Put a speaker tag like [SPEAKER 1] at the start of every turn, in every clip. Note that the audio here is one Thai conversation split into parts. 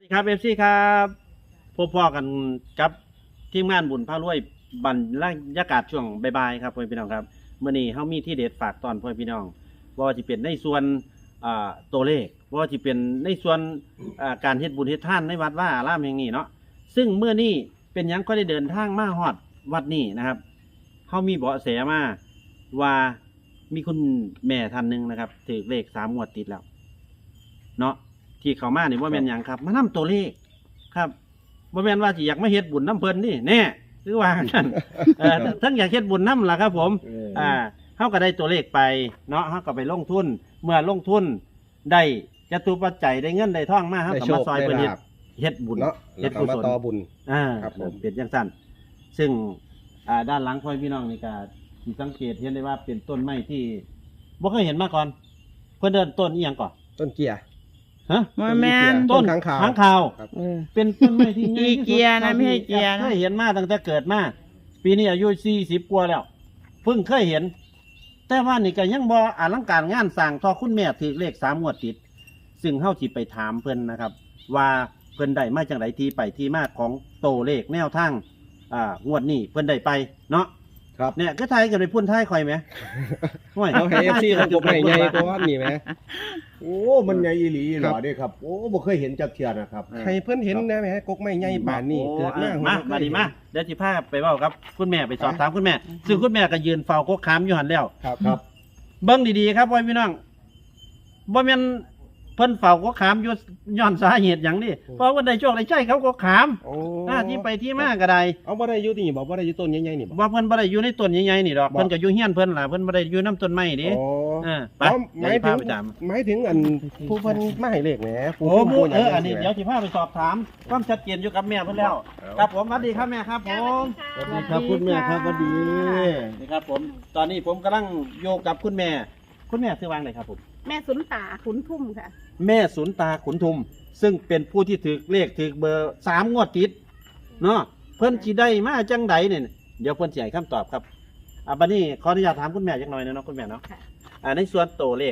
[SPEAKER 1] ครับเอฟซีครับพบพ่อกันกับทีมงานบุญพารวยบรรยากาศช่วงบ่ายๆครับพ่อพี่น้องครับเมื่อนี้เฮามีที่เด็ดฝากตอนพ่อพี่น้องว่าจะเป็นในส่วนตัวเลขว่าจะเป็นในส่วนการเฮ็ดบุญเฮ็ดทานในวัดว่าอารามแห่งนี้เนาะซึ่งเมื่อนี้เป็นหยังก็ได้เดินทางมาฮอดวัดนี้นะครับเฮามีเบาะแสมาว่ามีคุณแม่ท่านหนึ่งนะครับถือเลข3 งวดติดแล้วเนาะที่เขามานี่ว่าแม่นหยังครับมานํตัวเลขครับว่าแม่นว่าสิอยากมาเฮ็ดบุญน้ำเพิ่นนี่แน่หรือว่านั่นทั้งอยากเฮ็ดบุญน้ำล่ะครับผมเฮาก็ได้ตัวเลขไปเนาะเฮาก็ไปลงทุนเมื่อลงทุนได้จตุปัจจัยได้เงินได้ทองมาเฮาก็มาซอยเพิ่นเฮ็ดบุญ
[SPEAKER 2] เนาะ
[SPEAKER 1] เฮ็ดกุศล
[SPEAKER 2] ต่อบุญ
[SPEAKER 1] ครับผมเป็นจังซั่นซึ่งด้านหลังพ่อพี่น้องนี่ก็สิสังเกตเห็นได้ว่าเป็นต้นไม้ที่บ่เคยเห็นมาก่อนเพิ่นเดินต้นอีหยังก่อน
[SPEAKER 2] ต้นเกียร์
[SPEAKER 1] ฮะ
[SPEAKER 3] แม่น
[SPEAKER 1] ต้นค้างคาวเป็นต้นไม้ที่ใหญ่
[SPEAKER 3] อีเกียนะไม่ใช่เกียนะ
[SPEAKER 1] เคยเห็นมาตั้งแต่เกิดมาปีนี้อายุ40 กว่าแล้วเพิ่งเคยเห็นแต่ว่านี่ก็ยังบ่อลังการงานสร้างทอคุณแม่ถือเลข3 งวดติดซึ่งเฮาสิไปถามเพิ่นนะครับว่าเพิ่นได้มาจังไดที่ไปที่มาของโตเลขแนวทางงวดนี้เพิ่นได้ไปเนาะ
[SPEAKER 2] ครับ
[SPEAKER 1] เนี่ยก็ทายกันไปพุ่นท้ายข่อยไหมโอ้ย
[SPEAKER 2] เอาให้ FC เขากบให้ใหญ่กว่านี่แหม
[SPEAKER 4] โอ้มันใหญ่อีหลีอีหล่อเด้ครับโอ้บ่เคยเห็นจักเทื่อนะครับ
[SPEAKER 2] ให้เพิ่นเห็นนะแหมกกไม้ใหญ่ป่านนี้เกิด
[SPEAKER 1] มาดีมาเดี๋ยวสิพาไปเว้าครับคุณแม่ไปสอบถามคุณแม่ซึ่งคุณแม่ก็ยืนเฝ้ากกขามอยู่หั่นแล้ว
[SPEAKER 2] ครับ
[SPEAKER 1] เบิ่งดีๆครับพ่อพี่น้องบ่แม่นเพิ่นเฝ้าก็ขามอยู่ย้อนสาเหตุหยังนี่เพราะว่าได้โชคได้ใช้เขาก็ขาม
[SPEAKER 2] โอ้
[SPEAKER 1] ที่ไปที่มาก็ได้
[SPEAKER 2] เอาบ่ได้อยู่นี่บ่ได้อยู่ต้นใหญ่ๆนี่บ่
[SPEAKER 1] ว่าเพิ่นบ่ได้อยู่ในต้นใหญ่ๆนี่ดอกเพิ่นก็อยู่เฮียนเพิ่นล่ะเพิ่นบ่ได้อยู่นำต้นไม้นี่
[SPEAKER 2] โอ้
[SPEAKER 1] ไป
[SPEAKER 2] หมายถึง
[SPEAKER 1] ไปตาม
[SPEAKER 2] หมายถึงอันผู้เพิ่นมาให้เลขแหม
[SPEAKER 1] โอ้หมูอันนี้เดี๋ยวสิพาไปสอบถามความชัดเจนอยู่กับแม่เพิ่นแล้วครับผมสวัสดีครับแม่ครับผมสวัสดีครับคุณแม่ครับสวัสดีนี่ครับผมตอนนี้ผมกำลังโยกกับคุณแม่ชื่อว่าอะไรครับผม
[SPEAKER 3] แม่สุนตาขุนทุ่มค่ะ
[SPEAKER 1] แม่สุนตาขุนทุมซึ่งเป็นผู้ที่ถือเลขถือเบอร์3 งวดติดเนาะเพิ่นสิได้มาจังใดเนี่ยเดี๋ยวเพิ่นสิให้คำตอบครับบัดนี้ขออนุญาตถามคุณแม่จักหน่อยนะเนาะคุณแม่เนาะ
[SPEAKER 3] ค่ะ
[SPEAKER 1] ในส่วนตัวเลข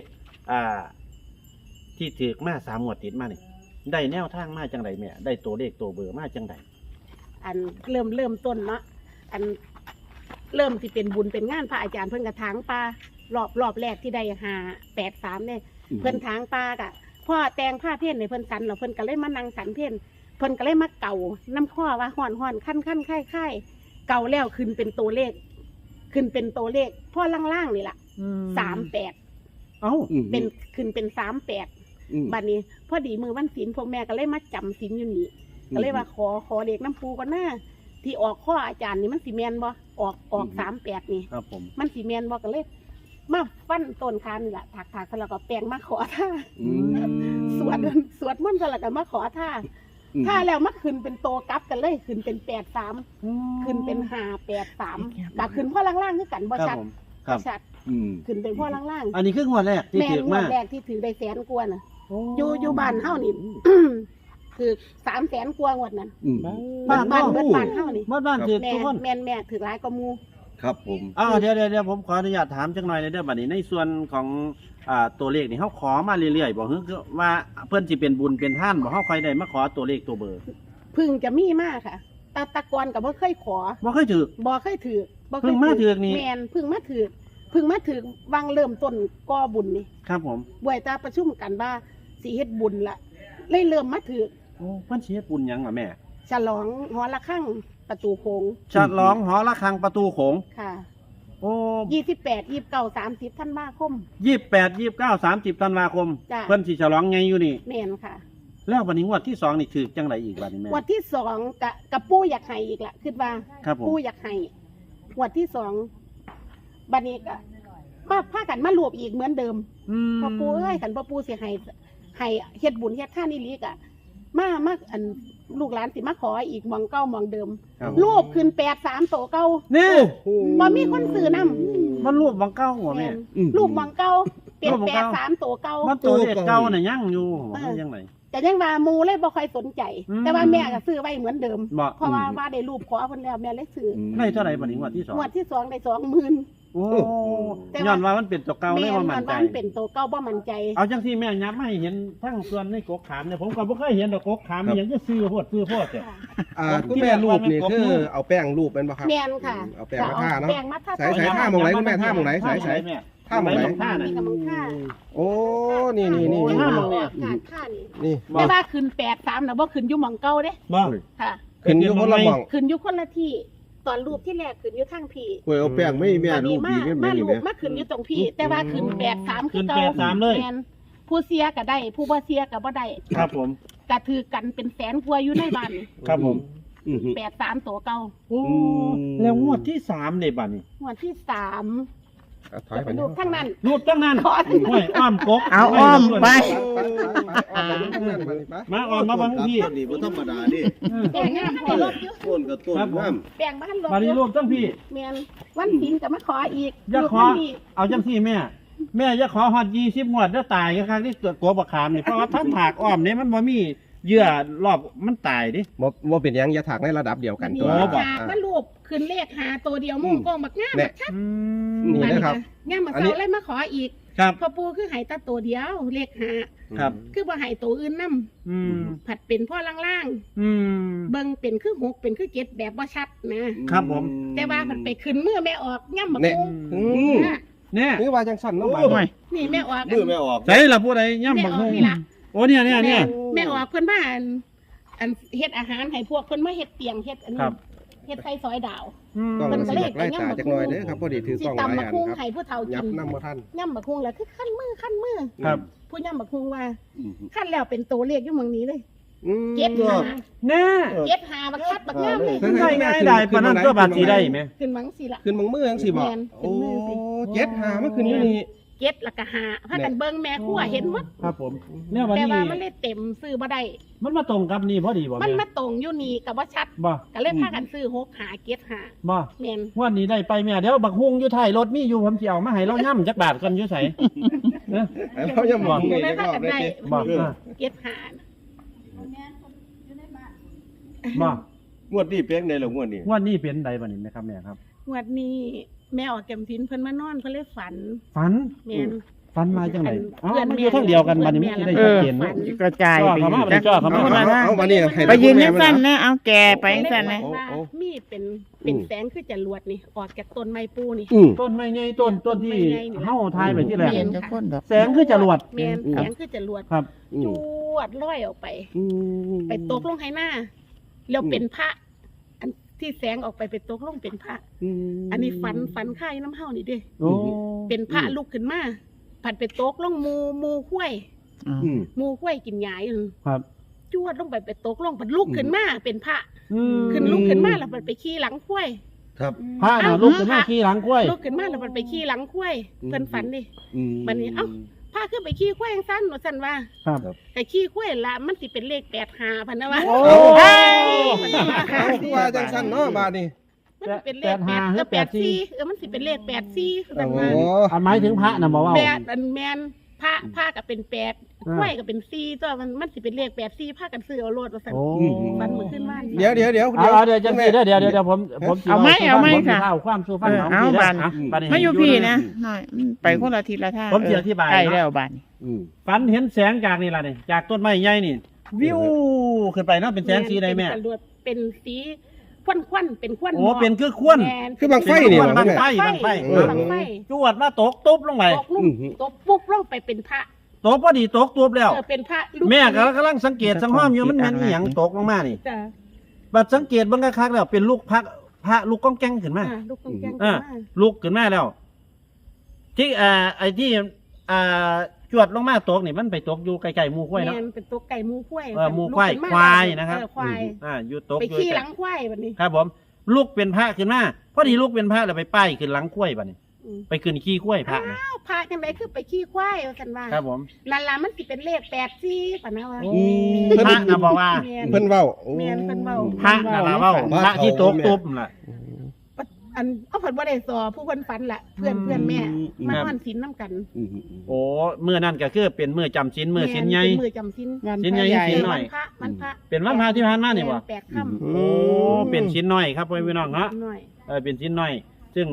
[SPEAKER 1] ที่ถือมา3 งวดติดมานี่ได้แนวทางมาจังใดแม่ได้ตัวเลขตัวเบอร์มาจังใด
[SPEAKER 3] อันเริ่มต้นเนาะอันเริ่มที่เป็นบุญเป็นงานพระอาจารย์เพิ่นกระถางปลารอบแรกที่ได้583เนี่ยเพิ่นถางปลากะพ่อแต่งผ้าเพ่นในเพิ่นสันแล้วเพิ่นก็เลยมานั่งสันเพ่นเพิ่นก็เลยมาเก่าน้ำข้อว่าห่อนขั้นค่ายเก่าแล้วขึ้นเป็นตัวเลขพ่อล่างๆนี่ล่ะ38
[SPEAKER 1] เอ้า
[SPEAKER 3] เป็นขึ้นเป็น38บัดนี้พอดีมือวันศีลพวกแม่ก็เลยมาจำศีลอยู่นี่ก็เลยว่าขอเลขน้ำปูก่อนหน้าที่ออกข้ออาจารย์นี่มันสีแมนบ่ออก38นี่
[SPEAKER 1] ครับผม
[SPEAKER 3] มันสีแมนบ่ก็เลยมาฟันต้นคานนี่แหละถักแล้วก็แปลงมาขอท่าสวดมันต์แล้วก็มาขอท่าแล้วมาขึ้นเป็นโตกลับกันเลยขึ้นเป็น83ขึ้นเป็น583ก็ขึ้นพ่อล่างๆคือกันบ่ชัด
[SPEAKER 1] ครับ
[SPEAKER 3] ชัดขึ้นเป็นพ่อล่างๆ
[SPEAKER 1] อันนี้คืองวดแรกที่
[SPEAKER 3] แม่
[SPEAKER 1] ถือ
[SPEAKER 3] งว
[SPEAKER 1] มา
[SPEAKER 3] ดแรกที่ถือได้100,000 กว่าน่ะอยู่บ้านเฮานี่ คือ300,000 กว่างวดนั้นบ้านเฮานี่
[SPEAKER 1] บ้านถือทุกคน
[SPEAKER 3] แม่ถือหลายกว่าหมู่
[SPEAKER 4] ครับผม
[SPEAKER 1] เดี๋ยวผมขออนุญาตถามจังหน่อยในเรื่องบัดนี้ในส่วนของตัวเลขนี่เขาขอมาเรื่อยๆบอกคือว่าเพื่อนสิเป็นบุญเป็นท่านบอกเขาใครได้มาขอตัวเลขตัวเบอร์
[SPEAKER 3] พึ่งจะมีมากค่ะตะกอนกับบ่เคยขอ
[SPEAKER 1] บ่เคยถือ
[SPEAKER 3] บ่เคยถือ
[SPEAKER 1] เพิ่งมาถือนี่
[SPEAKER 3] แม่นพึ่งมาถือวางเริ่มต้นก่อบุญนี่
[SPEAKER 1] ครับผม
[SPEAKER 3] บ่อยตาประชุมกันว่าสิเฮ็ดบุญละเลยเริ่มมาถือ
[SPEAKER 1] โอ้เพิ่นสิเฮ็ดบุญหยังล่ะแม่
[SPEAKER 3] ฉลองหอระฆังประตูโค้ง
[SPEAKER 1] ฉลองหอระฆังประตูโขง
[SPEAKER 3] ค่ะ
[SPEAKER 1] โอ้
[SPEAKER 3] 28 29 30ธันวาคม
[SPEAKER 1] 28 29 30ธันวาคม
[SPEAKER 3] จ้ะ
[SPEAKER 1] เพิ่นสิฉลองไงอยู่นี่
[SPEAKER 3] แม่นค่ะ
[SPEAKER 1] แล้วบัดนี้งวดที่2นี่ถือจังไดอีกบัดนี้แม่
[SPEAKER 3] งวดที่2กับปู่อยากให้อีกละคิดว่า
[SPEAKER 1] ครับผม
[SPEAKER 3] ปู่อยากให้งวดที่2บัดนี้ก็มาพากันมารวบอีกเหมือนเดิม พ่อปู่เอ้ยขันพ่อปู่สิให้เฮ็ดบุญเฮ็ดท่านอีหลีกะมาอันลูกหลานสิมาขออีกหมองเก่าหมองเดิม
[SPEAKER 1] ครับ
[SPEAKER 3] รูปขึ้น83โตเก่า
[SPEAKER 1] นี่
[SPEAKER 3] บ่มีคนซื้อนำ
[SPEAKER 1] มันรูปบังเก้าหัวแม่
[SPEAKER 3] รูปหมองเก่าเป็น
[SPEAKER 1] รูปหม้องเก่า
[SPEAKER 3] 83โตเก่า
[SPEAKER 1] มันตัวเลขเก่าน่ะยังอยู่มันยังไง
[SPEAKER 3] แต่ยังว่าหมู่เลยบ่ค่อยสนใจ แต่ว่าแม่ก็ซื้อไว้เหมือนเดิม
[SPEAKER 1] บ่
[SPEAKER 3] เพราะว่าได้รูปขอเพิ่นแล้วแม่เลยซื้อ
[SPEAKER 1] ได้เท่าไหร่บัดนี้งวดที่2
[SPEAKER 3] งวดที่2ได้20,000
[SPEAKER 1] โอ้
[SPEAKER 3] แต่
[SPEAKER 1] ย้
[SPEAKER 3] ว่า
[SPEAKER 1] อนว่ามันเป็นตัวเก่าเลย
[SPEAKER 3] แม่
[SPEAKER 1] ว่ามั่นใจ
[SPEAKER 3] ว่ามันเป็นตัวเก่าบ่มั่นใจ
[SPEAKER 1] เอาจังที่แม่ยับมาให้เห็นทั้งส่วนในกกขามเนี่ยผมก็บ่เคยเห็นดอกกกขามมีหยังจะซื้อโพดเนี่ย
[SPEAKER 2] คุณแม่รูปนี่คือเอาแป้งรูปเป็นบ่ครับ
[SPEAKER 3] แม่นค่ะ
[SPEAKER 2] เอาแป้งมาทาเนาะ
[SPEAKER 3] แป้งมาทา
[SPEAKER 2] ใส่ท่าหมองไหนคุณแม่ท่าหมองไหนใส่
[SPEAKER 1] แม่
[SPEAKER 2] ท่าหมองไหน
[SPEAKER 1] ท่าไหน
[SPEAKER 3] นี่ก็มึงท่า
[SPEAKER 2] โอ้นี่
[SPEAKER 1] โอ้ยท่าหม้องเนี่ย
[SPEAKER 3] ท่านี่
[SPEAKER 2] นี่
[SPEAKER 3] แต่ว่าขึ้น83น่ะบ่ขึ้นอยู่หม่องเก่าเด้
[SPEAKER 1] บ่
[SPEAKER 3] ค่ะ
[SPEAKER 2] ขึ้นอยู่คนละหม่อง
[SPEAKER 3] ขึ้นอยู่คนละที่ตอนรูปที่แรกขึ้นอยู่ทางพี่
[SPEAKER 4] โอ้ยเอาแป้งไม่แม่
[SPEAKER 3] ตอน
[SPEAKER 4] รู
[SPEAKER 3] นี้
[SPEAKER 4] ป
[SPEAKER 3] มา
[SPEAKER 4] ดีแม่
[SPEAKER 3] มา
[SPEAKER 4] นี่
[SPEAKER 3] รู
[SPEAKER 4] แม่
[SPEAKER 3] ปมาขึ้นอยู่ตรงพี่ แต่ว่าขึ้น83คือเก่า
[SPEAKER 1] ขึ้น83เลย
[SPEAKER 3] แม่นผู้เสียก็ได้ ผู้บ่เสียก็บ่ได้
[SPEAKER 1] ครับผม
[SPEAKER 3] ก็ถือกันเป็นแสนกว่าอยู่ในบ้านนี่
[SPEAKER 1] ครับผม
[SPEAKER 3] 83ตัวเก่า
[SPEAKER 1] โอ้แล้วงวดที่3เนี่ยบัดนี้
[SPEAKER 3] งวดที่3
[SPEAKER 2] ถอย
[SPEAKER 3] จะ
[SPEAKER 2] ไป
[SPEAKER 3] เป็นรูปทั้งนั้น
[SPEAKER 1] รูปตั้งนั้น
[SPEAKER 3] ขอ
[SPEAKER 1] ห้วยอ้อมกก
[SPEAKER 5] เอาอ้อมไป
[SPEAKER 1] มาอ้อมมาบังพี่
[SPEAKER 4] ต้นนี้บ่ธรรมดาดิ
[SPEAKER 3] แบ่งงานให้รถอยู่
[SPEAKER 4] ต้นก็ต้นงาม
[SPEAKER 3] แบ่งบ้านรถ
[SPEAKER 1] บัดนี้รูปตั้งพี่
[SPEAKER 3] แม่นวันศีลก็มาขออีก
[SPEAKER 1] อย่าขอ
[SPEAKER 3] รูปนี้
[SPEAKER 1] เอาจังซี่แม่อย่าขอฮอด20งวดแล้วตายกันครั้งที่เกิดกลัวบักขามนี่เพราะว่าทั้งถากอ้อมนี่มันบ่มีเยื่อรอบมันตายดิ
[SPEAKER 2] บ่เป็นหยังอย่าถักในระดับเดียวกันตัว
[SPEAKER 1] โอ้บอก
[SPEAKER 3] หากมันรูปขึ้นเลขหาตัวเดียวมุ่งโกงบักงามบักชัด
[SPEAKER 2] นี่นะครับ
[SPEAKER 3] งามมา
[SPEAKER 2] อันนี้
[SPEAKER 3] เซาเลยมาขออีก
[SPEAKER 1] ครับ
[SPEAKER 3] พ่อปู่คือให้แตาตัวเดียวเลขหา
[SPEAKER 1] ครับ
[SPEAKER 3] คือบ่ให้ตัวอื่นนํ
[SPEAKER 1] อืม
[SPEAKER 3] ผัดเป็นพ่อล่าง
[SPEAKER 1] อืม
[SPEAKER 3] ๆเบิ่งเป็นคือ6เป็นคือ7แบบบ่ชัดนะครับ
[SPEAKER 1] ผม
[SPEAKER 3] แต่ว่าผัดไปขึ้นมือแม่ออกย่ำบัก
[SPEAKER 2] เนี่ย
[SPEAKER 3] คง น่ะ
[SPEAKER 1] เนี่ย
[SPEAKER 2] นี่ว่าจังสั้นเนาะบาด
[SPEAKER 5] โอ้ย
[SPEAKER 3] นี่แม่ออก
[SPEAKER 4] มือไม่ออก
[SPEAKER 1] ใส่ละผู้ใดย่ำบักฮุง
[SPEAKER 3] แม่ออกนี่ล่ะ
[SPEAKER 1] โอ้เนี่ยเนี่ยเนี่ย
[SPEAKER 3] แม่ออกเพิ่นมาอันเฮ็ดอาหารให้พวกเพิ่นมาเฮ็ดเตียงเฮ็ดอันนี้
[SPEAKER 1] ครับ
[SPEAKER 3] เฮ็ดไส้ซอยดาว
[SPEAKER 1] อืม
[SPEAKER 2] กล้องมันสิอยากไล่ตาจักหน่อยเด้อครับพอดีถือก
[SPEAKER 3] สิ
[SPEAKER 2] ล้องหลาย
[SPEAKER 3] ตำบั
[SPEAKER 2] อั
[SPEAKER 3] ก
[SPEAKER 2] น
[SPEAKER 3] ฮุง
[SPEAKER 2] ครับ
[SPEAKER 3] ให้ผู้เฒ่า
[SPEAKER 2] ยั
[SPEAKER 3] กิ
[SPEAKER 2] บ
[SPEAKER 3] น
[SPEAKER 2] นำบ่ทัน
[SPEAKER 3] ย่ำบักฮุงแล้วคือขั้นมือ
[SPEAKER 1] ครับ
[SPEAKER 3] ผู้ย่ำบักฮุงว่าขั้นแล้วเป็นตัวเลขอยู่เมืองนี้เลย
[SPEAKER 2] อืม
[SPEAKER 3] เก็บหา
[SPEAKER 1] แน่
[SPEAKER 3] เก็บหาบักชัดบักงามเลย
[SPEAKER 2] เออ
[SPEAKER 1] ได้ง่ายได้ปานนั้นก็บาดสีได้ไหม
[SPEAKER 3] ขึ้นหวังสิล่ะ
[SPEAKER 2] ขึ้นบางมือจังสิบ่
[SPEAKER 3] แม่นขึ้
[SPEAKER 2] โอ้
[SPEAKER 3] นมือสิ
[SPEAKER 2] เจ็ดหามาขึ้นอยู่นี่
[SPEAKER 3] เก็บแล้วก็หาพากันเบิ่งแม่ครัวเห็นหมด
[SPEAKER 1] ครับผมเนี่ยวัน
[SPEAKER 3] แต่
[SPEAKER 1] นี้
[SPEAKER 3] ว่ามันเลยเต็มซื้อบ่ได้
[SPEAKER 1] มันมาตรงกับนี่พอดีบ่
[SPEAKER 3] มัน
[SPEAKER 1] แม่
[SPEAKER 3] มาตรงอยู่นี่กับว่าชัด
[SPEAKER 1] บ่
[SPEAKER 3] ก็เลยพากันซื้อ6หาเก็บหา
[SPEAKER 1] บ่
[SPEAKER 3] แม่น
[SPEAKER 1] วันนี้ได้ไปแม่เดี๋ยวบักฮุงอยู่ท้ายรถมีอยู่ผมสิเอามาให้เราย่ำจักบาทก่อนอยู่ไสเนอะ
[SPEAKER 2] เรายังมอง
[SPEAKER 3] ก็
[SPEAKER 2] นี่
[SPEAKER 3] เลย
[SPEAKER 2] จัก
[SPEAKER 3] พาร
[SPEAKER 2] อบ
[SPEAKER 3] กัน
[SPEAKER 2] ได้
[SPEAKER 3] ได้
[SPEAKER 2] สิ
[SPEAKER 1] บ่
[SPEAKER 3] เก็บหา
[SPEAKER 1] บ่
[SPEAKER 4] งวดนี้เป๊กในหรองวดนี้
[SPEAKER 1] วันนี้เป็นใดบัดนี้แม่ครับแม่ครับ
[SPEAKER 3] งวดนี้แม่ออกแกมทินเพิ่นมานอนเพิ่นเลยฝัน
[SPEAKER 1] ฝัน
[SPEAKER 3] แม่น
[SPEAKER 1] ฝันมาจังไหนอ๋อ
[SPEAKER 3] เพื่อน
[SPEAKER 1] มันอยู่ทางเดียวกันบัดนี้มันสิได้
[SPEAKER 5] เอ
[SPEAKER 1] ชัด
[SPEAKER 5] อ
[SPEAKER 1] เจนเนอะ
[SPEAKER 5] กระจายไป
[SPEAKER 1] เขามา
[SPEAKER 5] จัก
[SPEAKER 1] เขามา
[SPEAKER 5] คนละทาง
[SPEAKER 2] เอามานี่ให้
[SPEAKER 5] ไปยืน
[SPEAKER 2] แม่
[SPEAKER 5] ยัง
[SPEAKER 2] มา
[SPEAKER 5] สั้น
[SPEAKER 2] นะ
[SPEAKER 5] นะเอาแกไปยังสั้นนะ
[SPEAKER 3] ว่า
[SPEAKER 2] โอ้
[SPEAKER 3] มีเป็นแสงคือจรวดนี่ออกจากต้นไม้ปูนี่
[SPEAKER 2] อืม
[SPEAKER 1] ต้นไม้ใหญ่ต้นที่เฮาทายไปที่แรก
[SPEAKER 3] แม่น
[SPEAKER 5] จะคนดอก
[SPEAKER 1] แสงคือจรวด
[SPEAKER 3] แม่นแสงคือจรวด
[SPEAKER 1] ครับ
[SPEAKER 3] จวดลอยออกไป
[SPEAKER 2] อืม
[SPEAKER 3] ไปตกลงให้หน้าแล้วเป็นพระ อันที่แสงออกไปเป็นตกลงเป็นพระ อันนี้ฝันค่ายน้ำเฮานี่เด้
[SPEAKER 1] โอ้
[SPEAKER 3] เป็นพระลุกขึ้นมาผัดไปตกลงมูข้วย
[SPEAKER 2] อืม
[SPEAKER 3] มูข้วยกินหยายอยู่
[SPEAKER 1] ครับ
[SPEAKER 3] จวดลงไปตกลงผัดลุกขึ้นมาเป็นพระ
[SPEAKER 1] อืม
[SPEAKER 3] ขึ้นลุกขึ้นมาแล้วผัดไปขี่หลังข้วย
[SPEAKER 4] ครับ
[SPEAKER 1] พระน่ะลุกขึ้นมาขี่หลังกล้วย
[SPEAKER 3] ลุกขึ้นมาแล้วผัดไปขี่หลังข้วย
[SPEAKER 2] อืม
[SPEAKER 3] เพิ่นฝันดิ
[SPEAKER 2] อืม
[SPEAKER 3] บัดนี้เอ้า พาขึ้นไปขี่ข้วยสั้นหนูสั้นว่า
[SPEAKER 1] ครับ
[SPEAKER 3] แต่ขี้ข้วยละมันสิเป็นเลข85พันนะวะ
[SPEAKER 1] โอ้
[SPEAKER 3] เฮ้ยมันสิว่า
[SPEAKER 2] เอาคือว่าจังสั้นเนาะบาดนี้
[SPEAKER 3] มันสิเป็นเลข
[SPEAKER 1] 85หรือ
[SPEAKER 3] 84มันสิเป็นเลข84พัน
[SPEAKER 2] โอ้
[SPEAKER 3] ว่า
[SPEAKER 1] อันหมายถึงพระน่ะบอกว่า
[SPEAKER 3] แปดอันแมนพระก็เป็น8
[SPEAKER 1] อ่า
[SPEAKER 3] ข้วยก็เป็น4ตัวมันสิเป็นเลข84พากันซื้อเอาโลดว่าซั่น
[SPEAKER 1] โอ้
[SPEAKER 3] ฟันมือขึ้นบ้าน
[SPEAKER 2] เดี๋ยว
[SPEAKER 1] เอาเดี๋ยวจังสิเดี๋ยวผมสิ
[SPEAKER 5] เอาไหม
[SPEAKER 1] สู่
[SPEAKER 5] เอาไหม
[SPEAKER 1] ฟัง
[SPEAKER 5] ค่ะ
[SPEAKER 1] ผมสิเล่าความสู่ฟัง
[SPEAKER 5] เออ
[SPEAKER 1] ของ
[SPEAKER 5] เอา
[SPEAKER 1] พี่
[SPEAKER 5] บาน
[SPEAKER 1] นะบัดนี้
[SPEAKER 5] ไม่อยู่พี่นะหน่อยไปคนละทิศละทาง
[SPEAKER 1] ผมจะอธิบาย
[SPEAKER 5] ใกล้
[SPEAKER 1] เนาะ
[SPEAKER 5] แล้วบาน
[SPEAKER 2] อืม
[SPEAKER 1] ฝันเห็นแสงจากนี่ล่ะนี่จากต้นไม้ใหญ่นี่ วิวขึ้นไปเนาะเป็นแสงสีใดแม่
[SPEAKER 3] เป็นจรวดเป็นสีควันเป็นควัน
[SPEAKER 1] โอ้เป็นคือควน
[SPEAKER 3] แม่น
[SPEAKER 2] คือบางไฟนี่
[SPEAKER 1] เป็น
[SPEAKER 2] บ่
[SPEAKER 1] บัง
[SPEAKER 2] แม่
[SPEAKER 1] ไฟบังไฟ
[SPEAKER 3] บังไฟ
[SPEAKER 1] จวดมาตกตุ๊บลงไป
[SPEAKER 3] ตกลุ่มตกปุ๊บลงไปเป็นพระ
[SPEAKER 1] ตกพอดีตกตุ๊บแล้ว
[SPEAKER 3] เป็นพระลูก
[SPEAKER 1] แม่ก็กำลังสังเกตสังห้อมอยู่มันแม่นอีหยังตกลงมานี่
[SPEAKER 3] จ้ะ
[SPEAKER 1] บัดสังเกตเบิ่งคักๆแล้วเป็นลูกพระลูกก้องแก้งขึ้นมา
[SPEAKER 3] ลูกกองแกง
[SPEAKER 1] อ่า ลูกขึ้นมาแล้ว ที่ไอ้ที่จวดลงมาตกนี่มันไปตกอยู่ใกล้ๆหมู่ข้อยเนาะ
[SPEAKER 3] แม่นเป็นตัวไก่หมูข้วย
[SPEAKER 1] หมู่ควาย
[SPEAKER 3] ลูกขึ้นม
[SPEAKER 1] ควายนะครับ
[SPEAKER 3] ควาย
[SPEAKER 1] อยู่ตก
[SPEAKER 3] ไป
[SPEAKER 1] อยู่
[SPEAKER 3] ขี้
[SPEAKER 1] ใก
[SPEAKER 3] ห
[SPEAKER 1] ล้
[SPEAKER 3] ลังควายแบบนี้
[SPEAKER 1] ครับผมลูกเป็นพระขึ้นมาพอดีลูกเป็นพระแล้วไปป้ายขึ้นหลังข้อยบัดนี้
[SPEAKER 3] อืม
[SPEAKER 1] ไปขึ้นขี้ข้อยพระนะ
[SPEAKER 3] อ้าวพระจังไดคือไปขี้ควายว่าซั่นว่า
[SPEAKER 1] ครับผม
[SPEAKER 3] นั่นล่ะมันสิเป็นเลข84ปะนะว่า
[SPEAKER 1] โอ้พระนะบอกว่า
[SPEAKER 3] แม่น
[SPEAKER 2] เพิ่นเว้าโอ้
[SPEAKER 3] แม่นเพิ่นเว้า
[SPEAKER 1] พระนะเว้าพระที่ตกตุ๊บน่ะ
[SPEAKER 3] อันเอาเพิ่นบ่ได้สอผู้เพิ่นฝันล่ะเพื่อนแม่มานอนศีลนํกัน
[SPEAKER 1] โอ้มื้อนั้นก็คือเป็นมื้อจำศีลมื้อศีลใหญ่
[SPEAKER 3] เป็นมื้อจำศีล
[SPEAKER 1] ศีลใหญ่ศีลน้อย
[SPEAKER 3] วันพระ
[SPEAKER 1] เป็นวันพระที่ผ่านมานี่บ่
[SPEAKER 3] แปดค่ำ
[SPEAKER 1] โอ้เป็นศีลน้อยครับพ่อพี่น้องเนาะ
[SPEAKER 3] น้อย
[SPEAKER 1] เป็นศีลน้อย ซึ่ง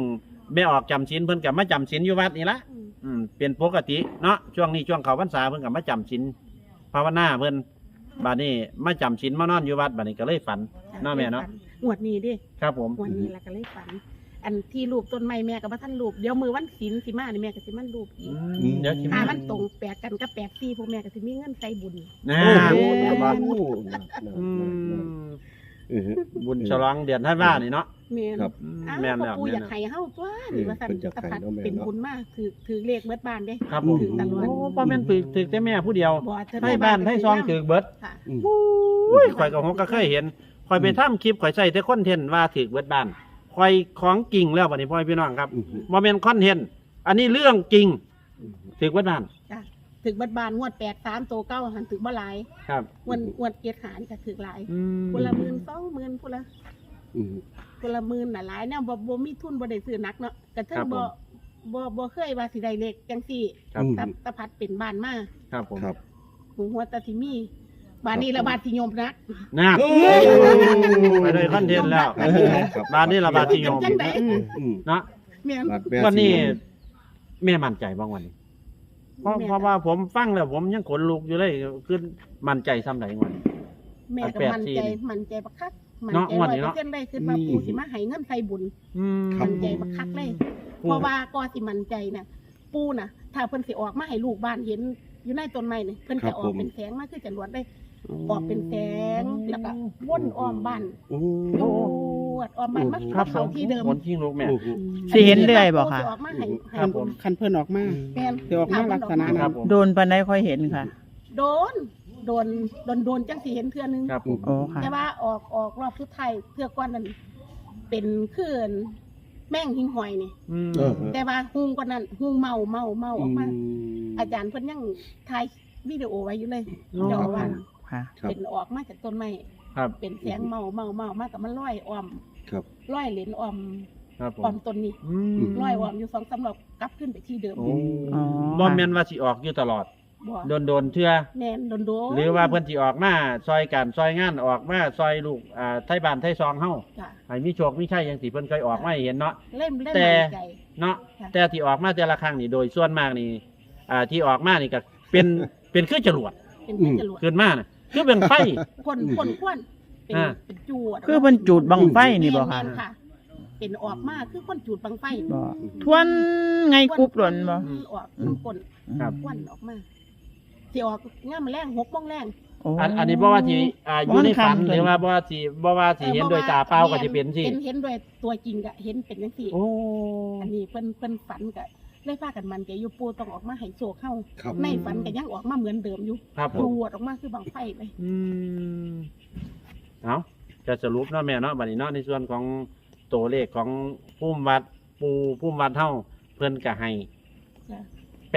[SPEAKER 1] แม่ออกจำศีลเพิ่นก็มาจำศีลอยู่วัดนี่ละ เป็นปกติเนาะช่วงนี้ช่วงเขาพรรษาเพิ่นก็มาจำศีลภาวนาเพิ่นบัดนี้มาจำศีลมานอนอยู่วัดบัดนี้ก็เลยฝันเนาะแม่เนาะ
[SPEAKER 3] งวดนี้ดิ
[SPEAKER 1] ครับผม
[SPEAKER 3] งวดนี้แล้วก็เลยฝัน อันที่รูปต้นไม้แม่ก็บ่ทันรูปเดี๋ยวมือวันศีลสิมานี่แม่ก็สิมันรูปอีก
[SPEAKER 1] เดี๋ยวสิ
[SPEAKER 3] ถ้า
[SPEAKER 1] มา
[SPEAKER 3] มันตรงแปลกกันกับ84พวกแม่ก็สิมีเงินใส่บุญ
[SPEAKER 1] นะ
[SPEAKER 4] โอ้
[SPEAKER 1] อืม
[SPEAKER 4] เออ
[SPEAKER 1] บุญฉลองเดือนธันวานี่เนาะ
[SPEAKER 3] แม่น
[SPEAKER 4] ครับ
[SPEAKER 3] อ้าว
[SPEAKER 1] แม่น
[SPEAKER 3] พ่อ
[SPEAKER 1] แล้ว
[SPEAKER 3] ปู่
[SPEAKER 1] แม่
[SPEAKER 3] อน ยาก
[SPEAKER 1] แล้ว
[SPEAKER 3] ให้เฮาตัวนี่ว่าซั่น
[SPEAKER 4] เพิ่นอยากให้
[SPEAKER 3] ตะพัด
[SPEAKER 4] เนาะแม่
[SPEAKER 3] เป็น
[SPEAKER 4] เนาะ
[SPEAKER 3] บุญมากถือเลขเบิดบ้านเด้
[SPEAKER 1] ครับผม
[SPEAKER 3] ถือตลอด
[SPEAKER 1] โอ้บ่แม่นถึกแต่แม่ผู้เดียว
[SPEAKER 3] บ่เธอ
[SPEAKER 1] ให้บ้านให้ซองถึกเบิด
[SPEAKER 3] ค่ะ
[SPEAKER 4] อืม
[SPEAKER 1] อุ้ยข่อยก็ฮกก็เคยเห็นข่อยไปทำคลิปข่อยใส่แต่คอนเทนต์ว่าถึกเบิดบ้านข่อยของจริงแล้วบัดนี้พ่อพี่น้องครับ
[SPEAKER 4] อืม
[SPEAKER 1] บ่แม่นคอนเทนต์อันนี้เรื่องจริงถึกเบิดบ้าน
[SPEAKER 3] ถึกเบิดบ้านงวด83โตเก้าหันถึกบ่หลาย
[SPEAKER 1] ครับ
[SPEAKER 3] งวดเกียรติหารก็ถึกหลาย
[SPEAKER 1] อืม
[SPEAKER 3] คนละ10,000 20,000คนละ
[SPEAKER 4] อืม
[SPEAKER 3] คนละหมื่นน่ะหลายแนวบ่มีทุนบ่ได้ซื้อหนักเนาะก็ถึงบ่เคยว่าสิได้เลขจังซี่
[SPEAKER 1] ครับ
[SPEAKER 3] ตะพัดเป็นบ้านมา
[SPEAKER 1] ครับผม
[SPEAKER 4] ครับ
[SPEAKER 3] หูหัวตาสิมีบ้านนี้ละบาดสิยมนะ
[SPEAKER 1] นะ
[SPEAKER 4] โอ้
[SPEAKER 1] ไปเลยคอนเทนต์แล้ว
[SPEAKER 4] ครับ
[SPEAKER 1] บ้านนี้ระบาดที่ยม
[SPEAKER 3] จังได๋
[SPEAKER 4] อืม
[SPEAKER 1] เนาะ
[SPEAKER 3] แม่น
[SPEAKER 4] บาดแผล
[SPEAKER 1] วันนี้
[SPEAKER 4] สิ
[SPEAKER 1] แม่มั่นใจบ้างวันนี้เพราะว่าผมฟังแล้วผมยังขนลุกอยู่เลยคือมั่นใจซ้ำไหนวันนี้
[SPEAKER 3] แม่ก็
[SPEAKER 1] อัน
[SPEAKER 3] มั่นใจบักคักมั่น
[SPEAKER 1] เนาะ
[SPEAKER 3] ใจ
[SPEAKER 1] งวดนี้เนาะ
[SPEAKER 3] 100%เลยคือว่าปู่สิมาให้เงินใส่บุญ
[SPEAKER 1] อืม
[SPEAKER 3] มั่นใจบักคักเลย เพราะว่าก็สิมั่นใจน่ะปู่น่ะ ถ้าเพิ่นสิออกมาให้ลูกบ้านเห็นอยู่ในต้นไม้นี่เพิ่นจะออกเป็นแสงมาคือจรวดได้ออกเป็นแสงแล้วก็วนอ้อมบ้าน
[SPEAKER 4] โอ้
[SPEAKER 3] โดดออกมามา
[SPEAKER 1] ครับผ
[SPEAKER 3] เข้าม ที่เดิม
[SPEAKER 1] ขนชิงลูกแม่
[SPEAKER 4] โอ้โห
[SPEAKER 5] สิเห็นเรื่อยบ่ค่ะ
[SPEAKER 3] ปู่สิออกมาให้
[SPEAKER 1] ครับผม
[SPEAKER 2] คันเพิ่นออกมา
[SPEAKER 3] แม่น
[SPEAKER 2] สิออกมาลักษณะ
[SPEAKER 1] ค
[SPEAKER 2] นั้
[SPEAKER 1] รับ
[SPEAKER 2] น
[SPEAKER 1] ผม
[SPEAKER 5] โดนปานใดค่อยเห็นค่ะ
[SPEAKER 3] โดนจังสิเห็นเทื่อนึง
[SPEAKER 1] ครับผม
[SPEAKER 5] โอ้ค่ะ
[SPEAKER 3] แต่ว่าออกรอบสุดท้ายเทื่อก่อนนั้นเป็นคืนแม่งหิงหอยนี่
[SPEAKER 1] อืม
[SPEAKER 4] เออ
[SPEAKER 3] แต่ว่าฮุงกว่านั้นฮุงเมาออกมา
[SPEAKER 4] อืม
[SPEAKER 3] อาจารย์เพิ่นยังถ่ายวิดีโอไว้อยู่เลย
[SPEAKER 1] อ๋อ
[SPEAKER 3] เจ้าอาว่าส
[SPEAKER 5] ค่ะ
[SPEAKER 4] ครับ
[SPEAKER 3] เป็นออกมาจากต้นไม้
[SPEAKER 1] ครับ
[SPEAKER 3] เป็นแสงเมามากับมันลอยอ้อม
[SPEAKER 4] ครับ
[SPEAKER 3] ลอยเหรียญอ้อม
[SPEAKER 1] ครับผม
[SPEAKER 3] อ้อมต้นนี้
[SPEAKER 1] อืม
[SPEAKER 3] ลอยอ้อมอยู่2-3รอบกลับขึ้นไปที่เดิม
[SPEAKER 1] โอ้
[SPEAKER 5] อ๋อ
[SPEAKER 1] บ่แม่นว่าสิออกอยู่ตลอด
[SPEAKER 3] บ่
[SPEAKER 1] โดนเทื่อ
[SPEAKER 3] แม่นโดน
[SPEAKER 1] หรือว่าเพิ่นสิออกมาซอยกันซอยงานออกมาซอยลูกไทบ้านไทซองเฮา
[SPEAKER 3] จ้ะ
[SPEAKER 1] ให้มีโชคมีชัยจังสิเพิ่นเคยออกมาให้เห็นเนาะ
[SPEAKER 3] เล่น
[SPEAKER 1] แต่
[SPEAKER 3] มั่นใจ
[SPEAKER 1] เนาะ
[SPEAKER 3] ค่ะ
[SPEAKER 1] แต่ที่ออกมาแต่ละครั้งนี่โดยส่วนมากนี่ที่ออกมานี่ก็เป็นคือจรวด
[SPEAKER 3] เป็นเพื่อนจรวด
[SPEAKER 1] ขึ้นมาน่ะคือเป็นไฟ
[SPEAKER 3] คนควนเป็น
[SPEAKER 1] อ่า
[SPEAKER 3] เป็นจวด
[SPEAKER 5] คือเพิ่นจูดบังไฟนี่บ่ค่ะ
[SPEAKER 3] แม่นค่ะ เป็นออกมาคือคนจูดบังไฟ
[SPEAKER 5] บ่ทวนไงกรุบหล่นบ่
[SPEAKER 3] ออกน้ำกลน
[SPEAKER 1] ครับ
[SPEAKER 3] ควันออกมาสิออกง่ามแรง6:00 นแรง
[SPEAKER 5] โอ้
[SPEAKER 1] อันนี้บ่ว่าสิอยู่ในฝัน
[SPEAKER 5] บ่
[SPEAKER 1] หรือว่าบ่ว่าสิเห็นโดยตาเปล่าก็สิเป็นสิ
[SPEAKER 3] เห็นด้วยตัวจริงก็เห็นเป็นจังซี่
[SPEAKER 1] โอ้
[SPEAKER 3] อันนี้เพิ่นฝันก็เลยพากันมันใจอยู่ปูต้องออกมาให้โชคเฮา
[SPEAKER 4] ครับ
[SPEAKER 3] ในฝันก็ยังออกมาเหมือนเดิมอยู่
[SPEAKER 1] ครับผ
[SPEAKER 3] จ
[SPEAKER 1] ม
[SPEAKER 3] วดออกมาคือบังไฟเลย
[SPEAKER 1] อืมเอาจะสรุปเนาะแม่เนาะบัดนี้เนาะในส่วนของตัวเลขของพุ่มวัดพุ่มวัดเฮาเพิ่นก็ให้
[SPEAKER 3] จ้ะ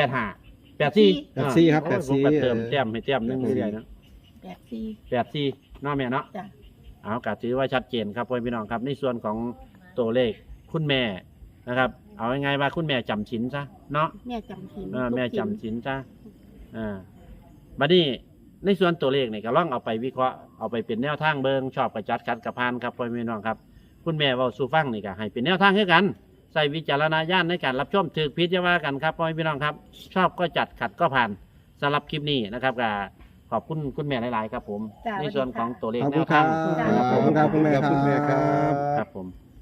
[SPEAKER 1] 85 84
[SPEAKER 2] 84ครับ
[SPEAKER 1] โอ้ยผมก็เติมแต้มให้แต้มหนึงเรื่อยๆนะ
[SPEAKER 3] 84
[SPEAKER 1] 84เนาะแม่เนาะ
[SPEAKER 3] จ้ะ
[SPEAKER 1] เอาก็ถือว่าชัดเจนครับพ่อพี่น้องครับในส่วนของตัวเลขคุณแม่นะครับ เอาง่ายๆว่าคุณแม่จำศีลซะเนาะ
[SPEAKER 3] แม่จำศีล
[SPEAKER 1] แม่จำศีลซะบัดนี้ในส่วนตัวเลขนี่ก็ลองเอาไปวิเคราะห์เอาไปเป็นแนวทางเบิงชอบกระจัดขัดกระพานครับพ่อพี่น้องครับ คุณแม่เว้าสู่ฟังนี่ก็ให้เป็นแนวทางให้กันใส่วิจารณญาณในการรับชมถือพิจารณากันครับพ่อพี่น้องครับ ชอบก็จัดขัดก็ผ่านสำหรับคลิปนี้นะครับก็ขอบคุณคุณแม่หลายๆครับผม
[SPEAKER 3] จ้ะ
[SPEAKER 1] ในส่วนของตัวเลข
[SPEAKER 2] ขอบ
[SPEAKER 1] แน
[SPEAKER 2] คุณ
[SPEAKER 1] ว
[SPEAKER 2] ครั
[SPEAKER 1] ทา
[SPEAKER 2] บ
[SPEAKER 1] ง
[SPEAKER 3] จ้ะ
[SPEAKER 2] ขอบคุณครับคุณแม่
[SPEAKER 4] ขอบคุณแม่ครับ
[SPEAKER 2] ครับ
[SPEAKER 1] ครับผม